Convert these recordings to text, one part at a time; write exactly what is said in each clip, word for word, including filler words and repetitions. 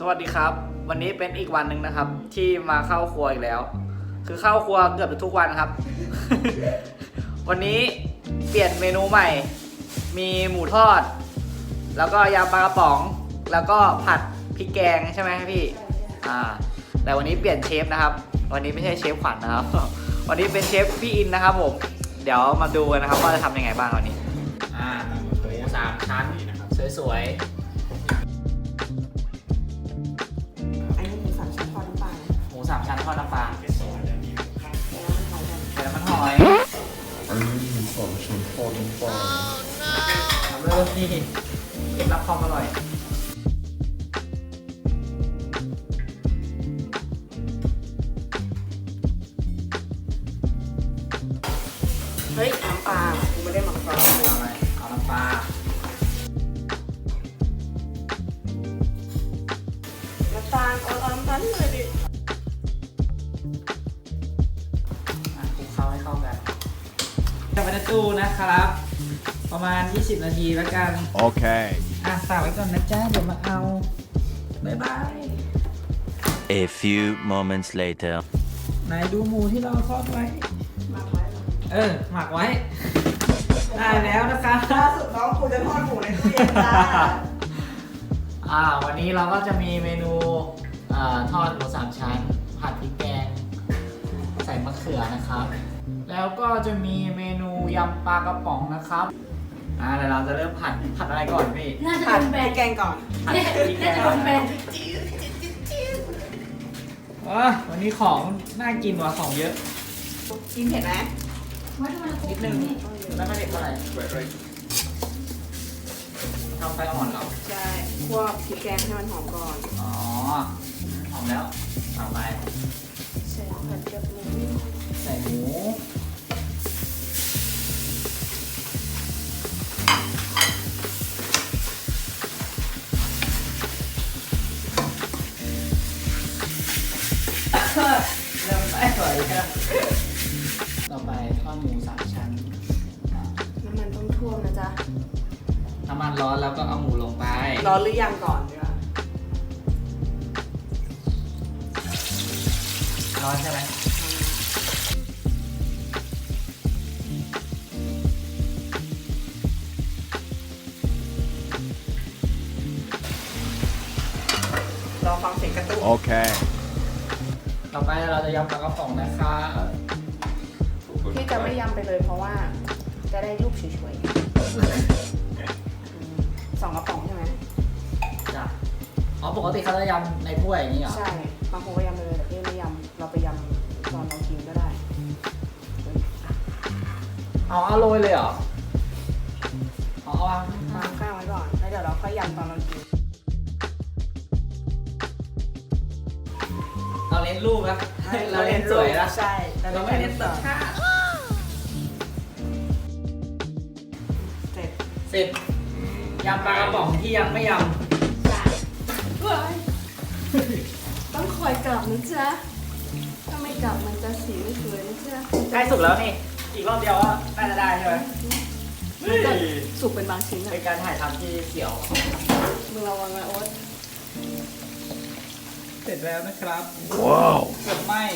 วัสดีครับวันนี้เป็นอีกวันหนึ่งนะครับที่มาเข้าครัวอีกแล้วคือเข้าครัวเกือบทุกวันครับ วันนี้เปลี่ยนเมนูใหม่มีหมูทอดแล้วก็ยำปลากระป๋องแล้วก็ผัดพริกแกงใช่ไหมพี่อ่าแต่วันนี้เปลี่ยนเชฟนะครับวันนี้ไม่ใช่เชฟขวัญนะครับ วันนี้เป็นเชฟพี่อินนะครับผมเดี๋ยวมาดูกันนะครับว่าจะทำยังไงบ้างวันนี้อ่าหมูสามชั้นสวยๆอันนี้หมูสามชั้นทอดน้ำปลาหมูสามชั้นทอดน้ำปลาใส่น้ำมันหอยอันนี้หมูสามชั้นทอดน้ำปลาทำเริ่มที่เคล็ดลับความอร่อยเฮ้ยน้ำปลากูไม่ได้หมักซอสเอาอะไรเอาน้ำปลาน้ำตาลเอาเอาน้ำตาลเลยดิคลุกเคล้าให้เข้ากันจะไปในตู้นะครับประมาณยี่สิบนาทีแล้วกันโอเคอ่ะฝากไว้ก่อนนะจ๊ะเดี๋ยวมาเอาบ๊ายบาย A few moments later ไหนดูหมูที่เราทอดไว้หมักไว้เออหมักไว้ได้แล้วนะคะล่าสุดน้องกูจะทอดหมูในตู้เย็นจ้าอ่าวันนี้เราก็จะมีเมนูอ่าทอดหมูสามชั้นผัดพริกแกงใส่มะเขือนะครับแล้วก็จะมีเมนูยำปลากระป๋องนะครับอ่าเดี๋ยวเราจะเริ่มผัดผัดอะไรก่อนพี่น่าจะเป็นแบรนด์แกงก่อนผัดพริกแกงก่อนว้าวันนี้ของน่ากินกว่าของเยอะกินเผ็ดไหมนิดนึงไม่ไม่เผ็ดเท่าไหร่ทำไฟอ่อนเหรอใช่คั่วพริกแกงให้มันหอมก่อนอ๋อหอมแล้วต่อไปใส่ผัดกับหมูใส่หมูเริ่มไม่ไหวแล้วต่อไปทอดหมูสามชั้นน้ำมันต้องท่วมนะจ๊ะน้ำมันร้อนแล้วก็เอาหมูลงไปร้อนหรือยังก่อนดีกว่าร้อนใช่ไหมรอฟังเสียงกระตุ้นโอเคต่อไปเราจะยำปลากระป๋องนะคะพี่จะไม่ยำไปเลยเพราะว่าจะได้รูปสวยๆสองกระป๋องใช่ไหมจ้ะอ๋อปกติเขาจะยำในถ้วยอย่างนี้เหรอใช่บางคนก็ยำไปเลยแต่พี่ไม่ยำเราไปยำตอนเรากินก็ได้เอาเอาโรยเลยเหรอเอาเอาวางวางข้างไว้ก่อนแล้วเดี๋ยวเราค่อยยำตอนเรากินเราเล่นรูปนะเราเล่นสวยนะใช่เราไม่เล่นต่อเสร็จเสร็จยำปลากระป๋องที่ยังไม่ยำจ้ะต้องคอยกลับนะจ๊ะถ้าไม่กลับมันจะสีไม่สวยนะจ๊ะใกล้สุกแล้วนี่อีกรอบเดียวก็น่าจะได้ใช่ไหมสุกเป็นบางชิ้นอะเป็นการถ่ายทำที่เสียวมึงระวังนะโอ๊ตเสร็จแล้วนะครับว้าวเกือบไหม้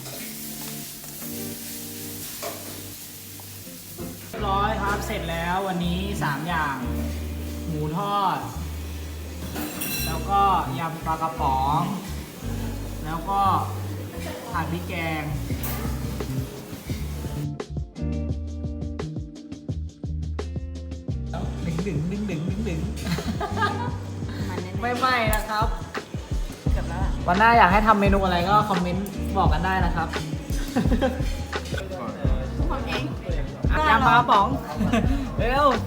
เรียบร้อยครับเสร็จแล้ววันนี้สามอย่างหมูทอดแล้วก็ยำปลากระป๋องแล้วก็ผัดพริกแกงดึงดึงดึงดึงดึงดึงไม่ไหม้นะครับวันหน้าอยากให้ทำเมนูอะไรก็คอมเมนต์บอกกันได้นะครับทุกคนเองยำปลากระป๋องเร็ว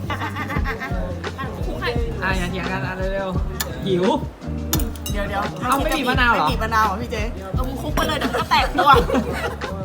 อ่ะอย่าเถียงกันอ่ะเร็วๆหิวเดี๋ยวเดี๋ยวเอาไม่บีบมะนาวเหรอไม่บีบมะนาวเหรอพี่เจ๊เอาคุกไปเลยเดี๋ยวก็แตกตัว